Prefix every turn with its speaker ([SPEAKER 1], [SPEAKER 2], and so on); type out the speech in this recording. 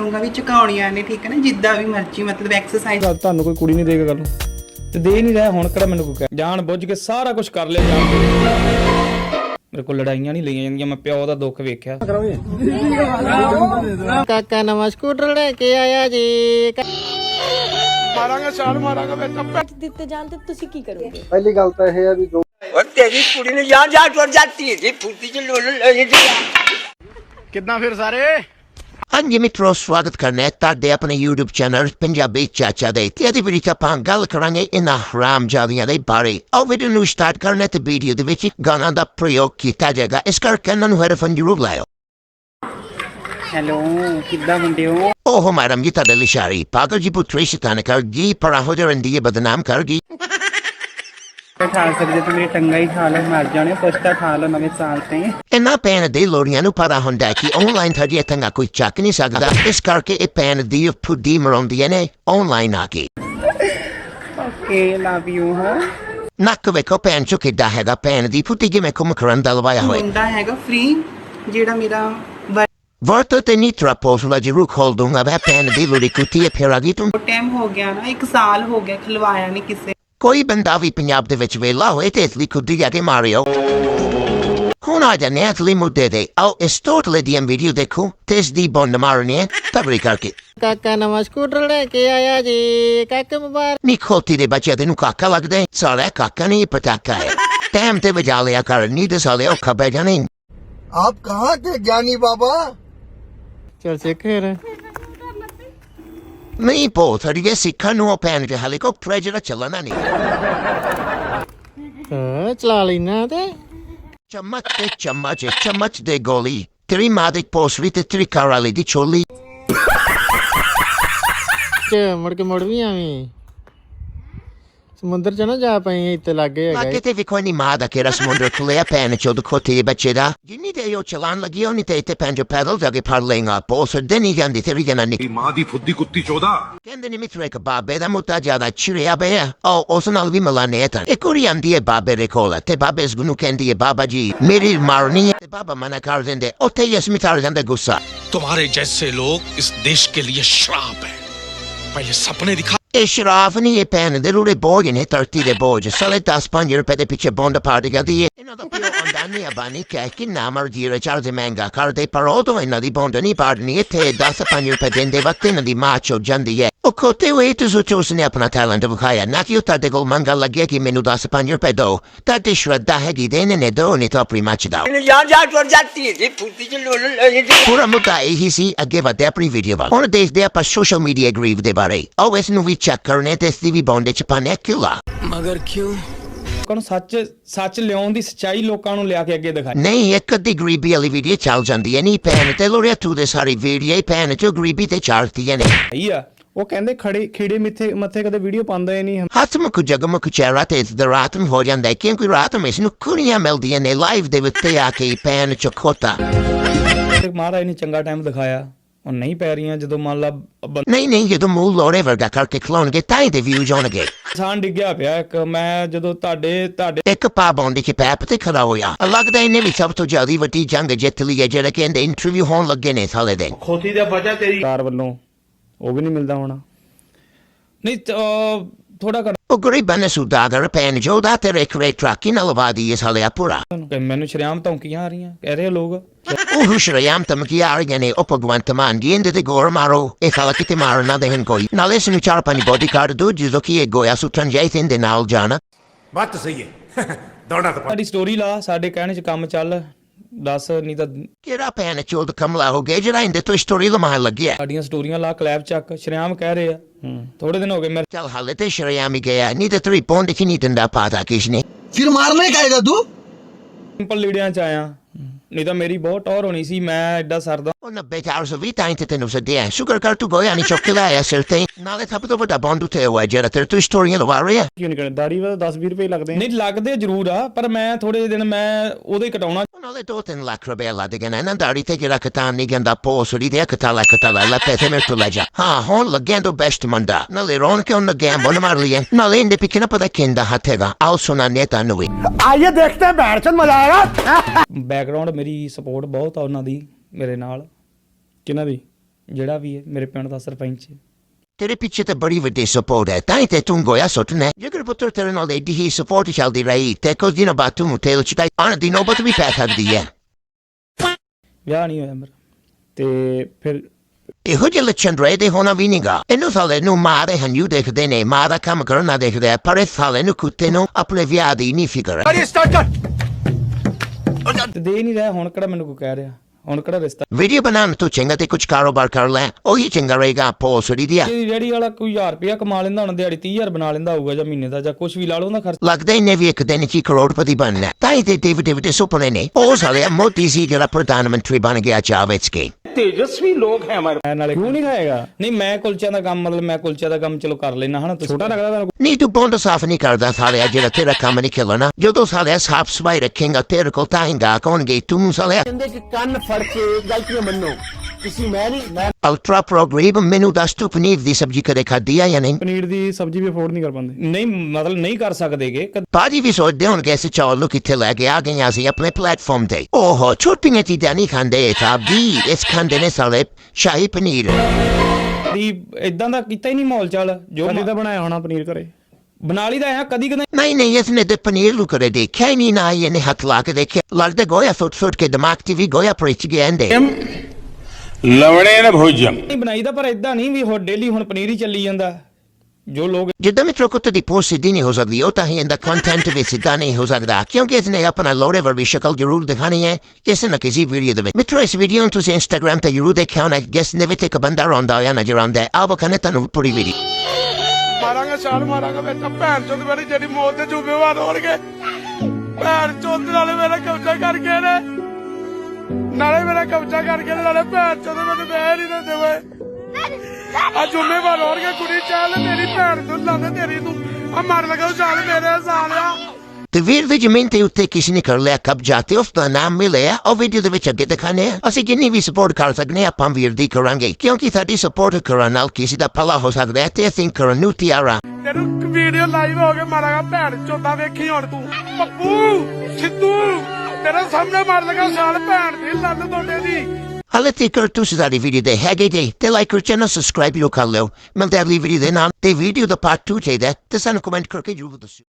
[SPEAKER 1] ਕਰੂੰਗਾ ਵੀ ਝੁਕਾਉਣੀਆਂ ਨੇ, ਠੀਕ ਹੈ ਨਾ, ਜਿੱਦਾਂ ਵੀ ਮਰਜ਼ੀ, ਮਤਲਬ ਐਕਸਰਸਾਈਜ਼।
[SPEAKER 2] ਤੁਹਾਨੂੰ ਕੋਈ ਕੁੜੀ ਨਹੀਂ ਦੇਗਾ ਗੱਲ ਤੇ ਦੇ ਨਹੀਂ ਰਿਹਾ ਹੁਣ, ਕਿਹੜਾ ਮੈਨੂੰ ਕੋਈ ਜਾਣ ਬੁੱਝ ਕੇ ਸਾਰਾ ਕੁਝ ਕਰ ਲਿਆ ਜਾਣ ਕੇ। ਮੇਰੇ ਕੋਲ ਲੜਾਈਆਂ ਨਹੀਂ ਲਈਆਂ ਜਾਂਦੀਆਂ, ਮੈਂ ਪਿਓ ਦਾ ਦੁੱਖ ਵੇਖਿਆ।
[SPEAKER 3] ਕਾਕਾ ਨਵਾਂ ਸਕੂਟਰ ਲੈ ਕੇ ਆਇਆ ਜੀ।
[SPEAKER 2] ਮਾਰਾਂਗੇ ਛਾਲ ਮਾਰਾਂਗੇ ਬੇਟਾ।
[SPEAKER 4] ਦਿੱਤੇ ਜਾਣ ਤੇ ਤੁਸੀਂ ਕੀ ਕਰੋਗੇ?
[SPEAKER 5] ਪਹਿਲੀ ਗੱਲ ਤਾਂ ਇਹ ਹੈ ਵੀ ਜੋ
[SPEAKER 6] तेरी कुड़ी ने जान जा टुट जाती है फुर्ती च
[SPEAKER 2] ਕਿੱਦਾਂ ਫਿਰ ਸਾਰੇ?
[SPEAKER 6] ਹਾਂਜੀ ਮਿੱਤਰੋ, ਸਵਾਗਤ ਕਰਨਾ ਹੈ ਤੁਹਾਡੇ ਆਪਣੇ YouTube ਚੈਨਲ ਪੰਜਾਬੀ ਚਾਚਾ ਦੇ। ਤੇ ਅੱਜ ਵੀਡੀਓ 'ਚ ਆਪਾਂ ਗੱਲ ਕਰਾਂਗੇ ਇਹਨਾਂ ਹਰਾਮਜ਼ਾਦੀਆਂ ਦੇ ਬਾਰੇ। ਆਓ ਵੀਡੀਓ ਨੂੰ ਸਟਾਰਟ ਕਰਨਾ ਤੇ ਵੀਡੀਓ ਦੇ ਵਿੱਚ ਗਾਣਾ ਦਾ ਪ੍ਰਯੋਗ ਕੀਤਾ ਜਾਏਗਾ, ਇਸ ਕਰਕੇ ਇਹਨਾਂ ਨੂੰ ਹੈਡਫੋਨ ਜ਼ਰੂਰ ਲਾਇਓ।
[SPEAKER 1] ਹੈਲੋ, ਕਿੱਦਾਂ ਮੁੰਡੇ ਹੋ?
[SPEAKER 6] ਓਹ ਮੈਡਮ ਜੀ, ਤੁਹਾਡੇ ਲਈ ਸ਼ਾਇਰੀ ਪਾਗਲ ਜੀ ਪੁੱਤਰੀ ਸ਼ੈਤਾਨ ਕਰ ਜੀ ਪਰਾ ਹੋ ਜਾਣਦੀ ਹੈ, ਬਦਨਾਮ ਕਰ ਗਈ।
[SPEAKER 1] ਖਾ ਸਕਦੇ ਤੇ ਮੇਰੀ ਟੰਗਾ ਹੀ ਖਾ ਲਓ, ਮਰ ਜਾਣੇ। ਪੁੱਛਤਾ ਖਾ ਲਓ ਨਵੇਂ ਸਾਲ ਤੇ।
[SPEAKER 6] ਇਹਨਾਂ ਭੈਣ ਦੇ ਲੋਰੀਆਂ ਨੂੰ ਪਤਾ ਹੁੰਦਾ ਕਿ ਆਨਲਾਈਨ ਤੁਹਾਡੀਆਂ ਟੰਗਾਂ ਕੋਈ ਚੱਕ ਨਹੀਂ ਸਕਦਾ, ਇਸ ਕਰਕੇ ਇਹ ਭੈਣ ਦੀ ਫੁੱਦੀ ਮਰਾਉਂਦੀਆਂ ਨੇ ਆਨਲਾਈਨ ਆ ਕੇ।
[SPEAKER 1] Okay, love you. ਹਾਂ,
[SPEAKER 6] ਨੱਕ ਵੇਖੋ ਭੈਣ ਚੋ ਕਿੱਦਾਂ ਹੈਗਾ, ਭੈਣ ਦੀ ਫੁੱਦੀ ਕਿਵੇਂ ਘੁੰਮ ਕਰਨ ਦਾ ਲਵਾਇਆ ਹੋਇਆ।
[SPEAKER 1] ਮੁੰਡਾ ਹੈਗਾ ਫ੍ਰੀ ਜਿਹੜਾ ਮੇਰਾ
[SPEAKER 6] ਵਰਤੋ ਤੇ ਨਹੀਂ ਟਰਾਪੋਸਲਾ ਜ਼ਰੂਰ ਖੋਲ ਦੂੰਗਾ। ਮੈਂ ਭੈਣ ਦੀ ਲੋਰੀ ਕੁੱਤੀ ਹੈ, ਫਿਰ ਆ ਗਈ ਤੂੰ।
[SPEAKER 1] ਟਾਈਮ ਹੋ ਗਿਆ ਨਾ, 1 ਸਾਲ ਹੋ ਗਿਆ, ਖਿਲਵਾਇਆ ਨਹੀਂ ਕਿਸੇ।
[SPEAKER 6] ਕੋਈ ਬੰਦਾ ਵੀ ਪੰਜਾਬ ਦੇ ਵਿੱਚ ਵੇਲਾ ਹੋਏ ਤੇ ਇਸ ਲਈ ਕੁੱਦੀ ਜਾ ਕੇ ਮਾਰਿਓ। ਹੁਣ ਆ ਜਾਂਦੇ ਹਾਂ ਅਸਲੀ ਮੁੱਦੇ ਤੇ। ਆਓ ਇਸ ਟੋਟਲ ਦੀ ਵੀਡੀਓ ਦੇਖੋ ਤੇ ਇਸ ਦੀ ਬੰਦ ਮਾਰਨੀ ਹੈ ਤਬਰੀ ਕਰਕੇ।
[SPEAKER 3] ਕਾਕਾ ਨਵਾਂ ਸਕੂਟਰ ਲੈ ਕੇ ਆਇਆ ਜੀ। ਕਾਕਾ ਮੁਬਾਰਕ।
[SPEAKER 6] ਨੀ ਖੋਤੀ ਦੇ ਬੱਚੇ ਤੈਨੂੰ ਕਾਕਾ ਲੱਗਦਾ ਹੈ? ਸਾਲਾ ਕਾਕਾ ਨਹੀਂ ਪਟਾਕਾ ਹੈ। ਟਾਈਮ ਤੇ ਵਜਾ ਲਿਆ ਕਰ, ਨਹੀਂ ਤੇ ਸਾਲੇ ਔਖਾ ਪੈ ਜਾਣੇ।
[SPEAKER 5] ਆਪ ਕਹਾਂ ਥੇ ਗਿਆਨੀ ਬਾਬਾ?
[SPEAKER 3] ਚਲ ਸਿੱਖ ਫਿਰ।
[SPEAKER 6] ਨਹੀਂ ਬਹੁਤ ਅੜੀਏ ਸਿੱਖਾਂ ਨੂੰ ਭੈਣ ਦੇ ਹਾਲੇ ਕੋ ਪ੍ਰੈਜਰ ਚੱਲਣਾ ਨਹੀਂ।
[SPEAKER 3] ਹਾਂ, ਚਲਾ ਲੈਣਾ ਤੇ
[SPEAKER 6] ਚਮਚ ਤੇ ਚਮਚ, ਚਮਚ ਦੇ ਗੋਲੀ ਤੇਰੀ ਮਾਂ ਦੇ ਪੋਸਵੀ ਤੇ ਤੇਰੀ ਘਰ ਵਾਲੀ ਦੀ ਛੋਲੀ।
[SPEAKER 3] ਮੁੜ ਕੇ ਮੁੜ ਵੀ ਆਵੀਂ। ਸਮੁੰਦਰ ਚ ਨਾ ਜਾ ਪਈ, ਇੱਥੇ ਲੱਗੇ ਹੈਗਾ।
[SPEAKER 6] ਲਾਗੇ ਤੇ ਵੀ ਕੋਈ ਨਹੀਂ ਮਾਂ ਦਾ ਕਿਹੜਾ ਸਮੁੰਦਰ ਖੁੱਲਿਆ ਭੈਣ ਚੋਦ ਖੋਤੀ ਬੱਚੇ ਦਾ। ਜਿੰਨੀ ਦੇ ਉਹ ਚਲਾਨ ਲੱਗੀ ਉਹਨੀ ਤੇ ਇੱਥੇ ਪੈਂਜੋ ਪੈਦਲ ਜਾ ਕੇ ਫੜ ਲਏਗਾ। ਪੋਸ ਦੇ ਨਹੀਂ ਜਾਂਦੀ ਤੇਰੀ ਜਨਾਨੀ।
[SPEAKER 7] ਮਾਂ ਦੀ ਫੁੱਦੀ ਕੁੱਤੀ ਚੋਦਾ।
[SPEAKER 6] ਕਹਿੰਦੇ ਨੇ ਮਿੱਤਰ ਇੱਕ ਬਾਬੇ ਦਾ ਮੁੱਤਾ ਜ਼ਿਆਦਾ ਚਿੜਿਆ ਪਿਆ, ਉਹ ਉਸ ਨਾਲ ਵੀ ਮਿਲਾਨੇ ਹੈ। ਤਾਂ ਇੱਕ ਕੁੜੀ ਆਂਦੀ ਹੈ ਬਾਬੇ ਦੇ ਕੋਲ ਤੇ ਬਾਬੇ ਇਸ ਨੂੰ ਕਹਿੰਦੀ ਹੈ ਬਾਬਾ ਜੀ ਮੇਰੀ ਮਾਰਨੀ ਹੈ, ਤੇ ਬਾਬਾ ਮਨਾ ਕਰ ਦਿੰਦੇ। ਉੱਥੇ ਹੀ ਅਸਮਿਤ ਆ ਜਾਂਦਾ ਗੁੱਸਾ।
[SPEAKER 7] तुम्हारे जैसे लोग इस देश के लिए श्राप है, पहले सपने दिखा।
[SPEAKER 6] ਇਹ ਸ਼ਰਾਫ ਨਹੀਂ, ਇਹ ਭੈਣ ਦੇ ਰੂੜੇ ਬੋਝ ਨੇ, ਧਰਤੀ ਦੇ ਬੋਝ। ਸਾਲੇ 10-5 ਰੁਪਏ ਦੇ ਪਿੱਛੇ ਬੌਂਡ ਪਾੜ ਜਾਂਦੀ ਹੈ। ਇਹਨਾਂ ਦਾ ਪਿਓ ਆਂਦਾ ਨਹੀਂ ਅਬਾਨੀ ਕਹਿ ਕਿ ਨਾ ਮਰਜੀ ਰਿਚਾਰਜ ਮਹਿੰਗਾ ਕਰਦੇ, ਪਰ ਉਹ ਤੋਂ ਇਹਨਾਂ ਦੀ ਬੌਂਡ ਨਹੀਂ ਪਾੜਨੀ। ਇੱਥੇ 10-5 ਰੁਪਏ ਦਿੰਦੇ ਵਕਤ ਇਹਨਾਂ ਦੀ ਮਾਂ ਚੁੱਕ ਜਾਂਦੀ ਹੈ। ਉਹ ਖੋਤੇ ਹੋਏ ਤੇ ਸੋਚੋ ਉਸਨੇ ਆਪਣਾ ਟੈਲੈਂਟ ਵਿਖਾਇਆ, ਨਾ ਕਿ ਉਹ ਤੁਹਾਡੇ ਕੋਲ ਮੰਗਣ ਲੱਗਿਆ ਕਿ ਮੈਨੂੰ 10-5 ਰੁਪਏ ਦਿਓ। ਤੁਹਾਡੀ ਸ਼ਰਧਾ ਹੈਗੀ ਦੇਣੇ ਨੇ, ਦੋ ਨਹੀਂ ਤਾਂ ਆਪਣੀ ਮੱਚ ਦਿਓ। ਜਾਨ ਜਾ ਟੁੱਟ ਜਾਂਦੀ ਹੈ ਫੁੱਟੀ ਚ। ਪੂਰਾ ਮੁੱਦਾ ਇਹੀ ਸੀ। ਅੱਗੇ ਵਧਦੇ ਆਪਣੀ ਵੀਡੀਓ ਵੱਲ। ਹੁਣ ਦੇਖਦੇ ਆਪਾਂ ਸੋਸ਼ਲ ਮੀਡੀਆ ਗਰੀਬ ਦੇ ਬਾਰੇ। ਆਓ ਇਸ ਨੂੰ ਵੀ ਚੈੱਕ ਕਰਨੇ ਤੇ ਇਸ ਦੀ ਵੀ ਬੌਂਡ ਚ ਪਾਣੇ ਕਿਉਂ।
[SPEAKER 2] ਮਗਰ ਕਿਉਂ ਲੋਕਾਂ ਨੂੰ ਸੱਚ ਲਿਆਉਣ ਦੀ ਸੱਚਾਈ ਲੋਕਾਂ ਨੂੰ ਲਿਆ ਕੇ ਅੱਗੇ ਦਿਖਾਈ।
[SPEAKER 6] ਨਹੀਂ, ਇੱਕ ਅੱਧੀ ਗਰੀਬੀ ਵਾਲੀ ਵੀਡੀਓ ਚੱਲ ਜਾਂਦੀ ਹੈ। ਨਹੀਂ ਭੈਣ ਤੇ ਲੋੜਿਆ ਤੂੰ ਦੇ ਸਾਰੀ ਵੀਡੀਓ ਭੈਣ ਚੋ ਗਰੀਬੀ ਤੇ ਚਾੜਦੀਆਂ ਨੇ।
[SPEAKER 2] ਸਹੀ ਆ, ਉਹ ਕਹਿੰਦੇ ਖੀੜੇ ਮੱਥੇ ਕਦੇ ਵੀਡੀਓ ਪਾਉਂਦਾ ਹੀ ਨਹੀਂ।
[SPEAKER 6] ਹੱਥ ਮੁੱਕ ਜਗਮੁੱਕ ਚਿਹਰਾ ਤੇ ਇਸ ਦਾ ਰਾਤ ਨੂੰ ਹੋ ਜਾਂਦਾ ਹੈ, ਕਿਉਂਕਿ ਰਾਤ ਨੂੰ ਇਸ ਨੂੰ ਕੁੜੀਆਂ ਮਿਲਦੀਆਂ ਨੇ ਲਾਈਵ ਦੇ ਉੱਤੇ ਆ ਕੇ ਭੈਣ ਚੋ ਖੋਤਾ।
[SPEAKER 2] ਮਹਾਰਾਜ ਨੇ ਚੰਗਾ ਟਾਈਮ ਦਿਖਾਇਆ, ਉਹ ਨਹੀਂ ਪੈ ਰਹੀਆਂ। ਜਦੋਂ ਮੰਨ ਲਾ
[SPEAKER 6] ਨਹੀਂ ਜਦੋਂ ਮੂੰਹ ਲੋੜੇ ਵਰਗਾ ਕਰਕੇ ਖਲਾਉਣਗੇ ਤਾਂ ਹੀ ਤੇ ਵਿਊਜ਼ ਆਉਣਗੇ।
[SPEAKER 2] ਇਨਸਾਨ ਡਿੱਗਿਆ ਪਿਆ ਇੱਕ। ਮੈਂ ਜਦੋਂ ਤੁਹਾਡੇ
[SPEAKER 6] ਇੱਕ ਪਾਬੰਦੀ ਕੇ ਪੈਪ ਤੇ ਖੜਾ ਹੋਇਆ, ਲੱਗਦਾ ਇਹਨੇ ਵੀ ਸਭ ਤੋਂ ਜ਼ਿਆਦਾ ਵੱਡੀ ਜੰਗ ਜਿੱਤ ਲਈ ਹੈ, ਜਿਹੜਾ ਕਹਿੰਦੇ ਇੰਟਰਵਿਊ ਹੋਣ ਲੱਗੇ ਨੇ ਸਾਲੇ ਦੇ।
[SPEAKER 7] ਖੋਤੀ ਦਾ ਬਚਾ ਤੇਰੀ
[SPEAKER 2] ਕਾਰ ਵੱਲੋਂ ਉਹ ਵੀ ਨਹੀਂ ਮਿਲਦਾ ਹੋਣਾ। ਨਹੀਂ ਥੋੜਾ ਕਰ
[SPEAKER 6] ਉਹ ਗਰੀਬਾਂ ਨੇ ਸੁਦਾਗਰ ਭੈਣ ਜੋ ਦਾ ਤੇਰੇ ਇੱਕ ਟਰੱਕ ਹੀ ਨਾ ਲਵਾ ਦੀਏ ਸਾਲਿਆ ਪੂਰਾ।
[SPEAKER 2] ਮੈਨੂੰ ਸ਼ਰੇਆਮ ਧਮਕੀਆਂ ਆ ਰਹੀਆਂ, ਕਹਿ ਰਹੇ ਲੋਕ
[SPEAKER 6] ਉਹ ਸ਼ਰੇਆਮ ਧਮਕੀਆਂ ਆ ਰਹੀਆਂ ਨੇ। ਉਹ ਭਗਵੰਤ ਮਾਨ ਜੀ ਇਹਦੇ ਤੇ ਗੌਰ ਮਾਰੋ, ਇਹ ਸਾਲਾ ਕਿਤੇ ਮਾਰਨ ਨਾ ਦੇਣ ਕੋਈ। ਨਾਲੇ ਇਸ ਨੂੰ 4-5 ਬੋਡੀਗਾਰਡ ਦੋ ਜਦੋਂ ਕਿ ਇਹ ਗੋਇਆ ਸੁੱਟਣ ਜਾਏ ਤੇ ਇਹਦੇ ਨਾਲ ਜਾਣ।
[SPEAKER 7] ਬਾਤ ਸਹੀ ਹੈ ਦੌੜਨਾ ਤਾਂ
[SPEAKER 2] ਸਾਡੀ ਸਟੋਰੀ ਲਾ, ਸਾਡੇ ਕਹਿਣੇ 'ਚ ਕੰਮ ਚੱਲ, ਦੱਸ ਨਹੀਂ ਤਾਂ
[SPEAKER 6] ਕਿਹੜਾ ਭੈਣ ਚੋਦ ਕਮਲਾ ਹੋ ਗਿਆ ਜਿਹੜਾ ਇਹਦੇ ਤੋਂ ਸਟੋਰੀ ਲਮਾਣ ਲੱਗਿਆ।
[SPEAKER 2] ਸਾਡੀਆਂ ਸਟੋਰੀਆਂ ਲਾ, ਕਲੈਬ ਚੱਕ। ਸ਼ਰੇਆਮ ਕਹਿ ਰਹੇ ਆ, ਥੋੜੇ ਦਿਨ ਹੋ ਗਏ ਮੇਰੇ।
[SPEAKER 6] ਚੱਲ ਹਾਲੇ ਤੇ ਸ਼ਰੇਆਮ ਹੀ ਗਿਆ, ਨਹੀਂ ਤੇ ਤੇਰੀ ਪੌਂਡ ਚ ਨਹੀਂ ਦਿੰਦਾ ਪਾਤਾ ਕਿਸਨੇ।
[SPEAKER 5] ਫਿਰ ਮਾਰਨੇ ਕਾਏਗਾ ਤੂੰ?
[SPEAKER 2] ਸਿੰਪਲ ਲੀੜਿਆਂ 'ਚ ਆਇਆ, ਨਹੀਂ ਤਾਂ ਮੇਰੀ ਬਹੁਤ ਟੌਰ ਹੋਣੀ ਸੀ। ਮੈਂ ਐਡਾ ਸਰਦਾ।
[SPEAKER 6] ਉਹ 90-420 ਤਾਂ ਤੇ ਤੈਨੂੰ ਸੱਦਿਆ। ਸ਼ੁਕਰ ਕਰ ਤੂੰ ਗੋਇਆ ਨਹੀਂ ਚੁੱਕ ਕੇ ਲਾਇਆ ਸਿਰ ਤੇ। ਨਾਲੇ ਸਭ ਤੋਂ ਵੱਡਾ ਬੌਂਡ ਉੱਤੇ ਹੋਇਆ ਜਿਹੜਾ ਤੇਰੇ ਤੋਂ ਸਟੋਰੀਆਂ ਲਵਾ ਰਿਹਾ।
[SPEAKER 2] ਕਿਉਂ ਨਹੀਂ ਕਰਦਾ? ਦਾੜੀ ਵਾਲਾ 10-20 ਰੁਪਏ ਲੱਗਦੇ ਨਹੀਂ, ਲੱਗਦੇ ਜ਼ਰੂਰ ਆ, ਪਰ ਮੈਂ ਥੋੜੇ ਦਿਨ ਮੈਂ ਉਹਦੇ ਕਟਾਉਣਾ।
[SPEAKER 6] ਨਾਲੇ 2-3 ਲੱਖ ਰੁਪਏ ਲਾ ਦੇ ਗਏ ਨਾ ਦਾੜੀ ਤੇ ਜਿਹੜਾ ਕਟਾਨ ਨਹੀਂ ਗੰਦਾ ਪੋਸੜੀ ਦੇ ਕਟਾਲਾ ਪੈਸੇ ਮੇਰੇ ਤੋਂ ਲੈ ਜਾ। ਹਾਂ ਹੁਣ ਲੱਗਿਆ ਤੋਂ ਬੈਸਟ ਮੰਡਾ। ਨਾਲੇ ਰੌਣ ਕਿਉਂ ਲੱਗਿਆ ਬੋਨ ਮਾਰ ਲਿਆ। ਨਾਲੇ ਇਹਦੇ ਪਿੱਛੇ ਨਾ ਪਤਾ ਕਿੰਦਾ ਹੱਥ ਹੈਗਾ। ਆਓ ਸੁਣਾਨੇ ਤੁਹਾਨੂੰ ਵੀ।
[SPEAKER 5] ਆਈਏ ਦੇਖਤੇ हैं बैठ चल मजा आएगा।
[SPEAKER 2] ਬੈਕਗ੍ਰਾਉਂਡ ਮੇਰੀ ਸਪੋਰਟ ਬਹੁਤ ਆ ਉਹਨਾਂ ਦੀ ਮੇਰੇ ਨਾਲ। ਕਿਹਨਾਂ ਦੀ? ਜਿਹੜਾ ਵੀ ਹੈ ਮੇਰੇ ਪਿੰਡ ਦਾ ਸਰਪੰਚ ਹੈ।
[SPEAKER 6] ਤੇਰੇ ਪਿੱਛੇ ਤੇ ਬੜੀ ਵੱਡੀ ਸਪੋਰਟ ਹੈ ਤਾਂ ਹੀ ਤੇ ਤੂੰ ਗੋਇਆ ਸੁੱਟਣਾ ਜੇਕਰ ਪੁੱਤਰ ਤੇਰੇ ਨਾਲ ਏਡੀ ਹੀ ਸਪੋਰਟ ਚੱਲਦੀ ਰਹੀ ਤੇ ਕੁਝ ਦਿਨਾਂ ਬਾਅਦ ਤੂੰ ਤੇਲ ਚਟਾਈ ਆਣ ਦੀ ਨੌਬਤ ਵੀ ਪੈ ਸਕਦੀ ਹੈ।
[SPEAKER 2] ਵਿਆਹ ਨਹੀਂ ਹੋਇਆ ਮੇਰਾ ਤੇ ਫਿਰ
[SPEAKER 6] ਇਹੋ ਜਿਹੇ ਲੱਛਣ ਰਹੇ ਦੇ ਹੋਣਾ ਵੀ ਨਹੀਂਗਾ। ਇਹਨੂੰ ਸਾਲੇ ਨੂੰ ਮਾਂ ਦੇ ਹੰਝੂ ਦੇਖਦੇ ਨੇ, ਮਾਂ ਦਾ ਕੰਮ ਕਰਨਾ ਦੇਖਦੇ ਆ, ਪਰ ਇਸ ਸਾਲੇ ਨੂੰ ਕੁੱਤੇ ਨੂੰ ਆਪਣੇ ਵਿਆਹ ਦੀ ਨਹੀਂ ਫਿਕਰ ਹੈ।
[SPEAKER 2] ਤੇ ਦੇ ਨਹੀਂ ਰਿਹਾ, ਹੁਣ ਕਿਹੜਾ ਮੈਨੂੰ ਕੋਈ ਕਹਿ ਰਿਹਾ, ਹੁਣ ਕਿਹੜਾ ਰਿਸ਼ਤਾ।
[SPEAKER 6] ਵੀਡੀਓ ਬਣਾਉਣ ਤੋਂ ਚੰਗਾ ਤੇ ਕੁਝ ਕਾਰੋਬਾਰ ਕਰ ਲੈ, ਉਹੀ ਚੰਗਾ ਰਹੇਗਾ। ਪੋਸੜੀ ਦਿਆ
[SPEAKER 2] ਇਹ ਰੇੜੀ ਵਾਲਾ ਕੋਈ 1000 ਰੁਪਇਆ ਕਮਾ ਲੈਂਦਾ, ਹੁਣ ਦਿਹਾੜੀ 30,000 ਬਣਾ ਲੈਂਦਾ ਹੋਊਗਾ ਜਾਂ ਮਹੀਨੇ ਦਾ ਜਾਂ ਕੁਝ ਵੀ ਲਾ ਲਓ ਉਹਦਾ ਖਰਚ।
[SPEAKER 6] ਲੱਗਦਾ ਇਹਨੇ ਵੀ ਇੱਕ ਦਿਨ 'ਚ ਕਰੋੜਪਤੀ ਬਣਨਾ। ਤਾਂ ਹੀ ਤੇ ਡੇਵਿਡ ਸੁਪਨੇ ਨੇ ਉਹ ਸਾਲੇ ਮੋਦੀ ਸੀ ਜਿਹੜਾ ਪ੍ਰਧਾਨ ਮੰਤਰੀ ਬਣ ਗਿਆ ਚਾਹ ਵੇਚ ਕੇ।
[SPEAKER 2] ਮੈਂ ਨਾਲੇ ਕਿਉਂ ਨਹੀਂ ਖਾਏਗਾ? ਨਹੀਂ ਮੈਂ ਕੁਲਚਿਆਂ ਦਾ ਕੰਮ ਮਤਲਬ ਮੈਂ ਕੁਲਚਿਆਂ ਦਾ ਕੰਮ ਚਲੋ ਕਰ ਲੈਣਾ ਹਨਾ। ਛੋਟਾ ਲੱਗਦਾ ਤੁਹਾਨੂੰ?
[SPEAKER 6] ਨਹੀਂ ਤੂੰ ਬੋਂਡ ਸਾਫ਼ ਨਹੀਂ ਕਰਦਾ ਸਾਲਿਆ, ਜਿਹੜਾ ਤੇਰਾ ਕੰਮ ਨਹੀਂ ਖਿਲਣਾ। ਜਦੋਂ ਸਾਲਿਆ ਸਾਫ਼ ਸਫਾਈ ਰੱਖੇਗਾ ਤੇਰੇ ਕੋਲ ਤਾਂ ਹੀਗਾ ਕੌਣਗੇ ਤੂੰ ਸਾਲਿਆ।
[SPEAKER 5] ਕਹਿੰਦੇ ਕਿ ਕੰਨ ਫੜ ਕੇ ਗਲਤੀਆਂ ਮੰਨੋ, ਤੁਸੀਂ ਮੈਂ ਨਹੀਂ ਮੈਂ
[SPEAKER 6] ਅਲਟਰਾ ਪ੍ਰੋਗਰੇਮ ਮੈਨੂੰ ਦੱਸ ਤੂੰ ਪਨੀਰ ਦੀ ਸਬਜ਼ੀ ਕਦੇ ਖਾਧੀ ਆ ਜਾਂ ਨਹੀਂ?
[SPEAKER 2] ਪਨੀਰ ਦੀ ਸਬਜ਼ੀ ਵੀ ਅਫੋਰਡ ਨਹੀਂ ਕਰ ਪਾਉਂਦੇ। ਨਹੀਂ ਮਤਲਬ ਨਹੀਂ ਕਰ ਸਕਦੇਗੇ।
[SPEAKER 6] ਬਾਜੀ ਵੀ ਸੋਚਦੇ ਹੋਣਗੇ ਅਸੀਂ ਚੌਲ ਨੂੰ ਕਿੱਥੇ ਲੈ ਕੇ ਆ ਗਏ ਅਸੀਂ ਆਪਣੇ ਪਲੇਟਫਾਰਮ ਤੇ। ਓਹੋ ਛੋਟੀਆਂ ਚੀਜ਼ਾਂ ਨਹੀਂ ਖਾਂਦੇ ਸਾਹਿਬ ਜੀ, ਇਸ ਖਾਂਦੇ ਨੇ ਸਾਲੇ ਸ਼ਾਹੀ ਪਨੀਰ।
[SPEAKER 2] ਦੀ ਇਦਾਂ ਦਾ ਕੀਤਾ ਹੀ ਨਹੀਂ ਮਾਹੌਲ ਚਾਲ ਜੋ ਕਦੀ ਤਾਂ ਬਣਾਇਆ ਹੋਣਾ ਪਨੀਰ ਘਰੇ ਬਣਾ ਲਈ ਦਾ ਹੈ ਕਦੀ ਕਦੇ।
[SPEAKER 6] ਨਹੀਂ ਇਸਨੇ ਤੇ ਪਨੀਰ ਨੂੰ ਕਦੇ ਦੇਖਿਆ ਹੀ ਨਹੀਂ, ਨਾ ਹੀ ਇਹਨੇ ਹੱਥ ਲਾ ਕੇ ਦੇਖਿਆ। ਲੱਗਦਾ ਗੋਇਆ ਸੁੱਟ ਕੇ ਦਿਮਾਗ 'ਚ ਵੀ ਗੋਇਆ ਪਰਿਚ ਗਿਆ ਇਹਦੇ।
[SPEAKER 7] लवणे भोजन
[SPEAKER 2] ਨਹੀਂ ਬਣਾਈਦਾ ਪਰ ਇਦਾਂ ਨਹੀਂ ਵੀ ਹੁਣ ਡੇਲੀ ਹੁਣ ਪਨੀਰ ਹੀ ਚੱਲੀ ਜਾਂਦਾ ਜੋ ਲੋਕ।
[SPEAKER 6] ਜਿੱਦਾਂ ਮਿੱਤਰੋ ਕੁੱਤੇ ਦੀ ਪੋਸਟ ਸਿੱਧੀ ਨਹੀਂ ਹੋ ਸਕਦੀ, ਉਹ ਤਾਂ ਹੀ ਇਹਦਾ ਕੰਟੈਂਟ ਵੀ ਸਿੱਧਾ ਨਹੀਂ ਹੋ ਸਕਦਾ, ਕਿਉਂਕਿ ਇਸਨੇ ਆਪਣਾ ਲੋੜੇਵਰ ਵੀ ਸ਼ਕਲ ਜ਼ਰੂਰ ਦਿਖਾਣੀ ਹੈ ਕਿਸੇ ਨਾ ਕਿਸੇ ਵੀਡੀਓ ਦੇ ਵਿੱਚ। ਮਿੱਤਰੋ ਇਸ ਵੀਡੀਓ ਨੂੰ ਤੁਸੀਂ ਇੰਸਟਾਗ੍ਰਾਮ ਤੇ ਜ਼ਰੂਰ ਦੇਖਿਆ ਹੋਣਾ, ਜਿਸ ਦੇ ਵਿੱਚ ਇੱਕ ਬੰਦਾ ਰੋਂਦਾ ਹੋਇਆ ਨਜ਼ਰ ਆਉਂਦਾ ਹੈ। ਆਓ ਬਖਾਨੇ ਤੁਹਾਨੂੰ ਪੂਰੀ ਵੀਡੀਓ।
[SPEAKER 8] ਮਾਰਾਂਗਾ ਛਾਲ ਮਾਰਾਂਗਾ ਬੇਟਾ, ਭੈਣ ਚੋਦ ਮੇਰੀ ਜਿਹੜੀ ਮੌਤ ਦੇ ਜ਼ਿੰਮੇਵਾਰ ਹੋਣਗੇ। ਭੈਣ ਚੋਦ ਨਾਲੇ ਮੇਰਾ ਕਬਜ਼ਾ ਕਰਕੇ ਨੇ, ਨਾਲੇ ਮੇਰਾ ਕਬਜ਼ਾ ਕਰਕੇ ਨਾਲੇ ਭੈਣ ਚੋਦ ਮੈਨੂੰ ਬਹਿ ਨਹੀਂ ਦਿੰਦੇ ਵੇ। ਆ ਜ਼ਿੰਮੇਵਾਰ ਹੋਣਗੇ। ਕੁੜੀ ਚਾਲ ਮੇਰੀ ਭੈਣ ਤੋਂ ਲਾਂਦੇ ਤੇਰੀ ਤੂੰ ਆ ਮਰ ਲਗਾ ਚਾਲ ਮੇਰੇ ਸਾਲਿਆ।
[SPEAKER 6] ਤੇ ਵੀਰ ਦੀ ਜ਼ਮੀਨ ਤੇ ਉੱਤੇ ਕਿਸੇ ਨੇ ਕਰ ਲਿਆ ਕਬਜ਼ਾ ਤੇ ਉਸ ਦਾ ਨਾਮ ਮਿਲਿਆ। ਉਹ ਵੀਡੀਓ ਦੇ ਵਿੱਚ ਅੱਗੇ ਦਿਖਾਣੇ ਆ। ਅਸੀਂ ਜਿੰਨੀ ਵੀ ਸਪੋਰਟ ਕਰ ਸਕਦੇ ਆਪਾਂ ਵੀਰ ਦੀ ਕਰਾਂਗੇ, ਕਿਉਂਕਿ ਸਾਡੀ ਸਪੋਰਟ ਕਰਨ ਨਾਲ ਕਿਸੇ ਦਾ ਭਲਾ ਹੋ ਸਕਦਾ ਹੈ ਤੇ ਅਸੀਂ ਕਰਨ ਨੂੰ ਤਿਆਰ ਹਾਂ।
[SPEAKER 8] ਤੈਨੂੰ ਵੀਡੀਓ ਲਾਈਵ ਹੋ ਕੇ ਮਾਰਾਂਗਾ ਭੈਣ ਚੋਦਾ, ਵੇਖੀ ਹੁਣ ਤੂੰ ਪੱਪੂ ਸਿੱਧੂ ਤੇਰੇ ਸਾਹਮਣੇ ਮਾਰ ਲਗਾ ਸਾਲ ਭੈਣ ਦੀ ਲੱਤ ਤੁਹਾਡੇ ਦੀ।
[SPEAKER 6] ਹਾਲੇ ਤੱਕ ਤੁਸੀਂ ਸਾਡੀ ਵੀਡੀਓ ਦੇ ਹੈਗੇ ਜੇ ਤੇ ਲਾਈਕ ਕਰ ਚੈਨਲ ਸਬਸਕ੍ਰਾਈਬ ਵੀ ਕਰ ਲਿਓ। ਮਿਲਦੇ ਅਗਲੀ ਵੀਡੀਓ ਦੇ ਨਾਲ ਤੇ ਵੀਡੀਓ ਦਾ ਪਾਰਟ 2 ਚਾਹੀਦਾ ਤੇ ਸਾਨੂੰ ਕਮੈਂਟ ਕਰਕੇ ਜ਼ਰੂਰ ਦੱਸਿਓ।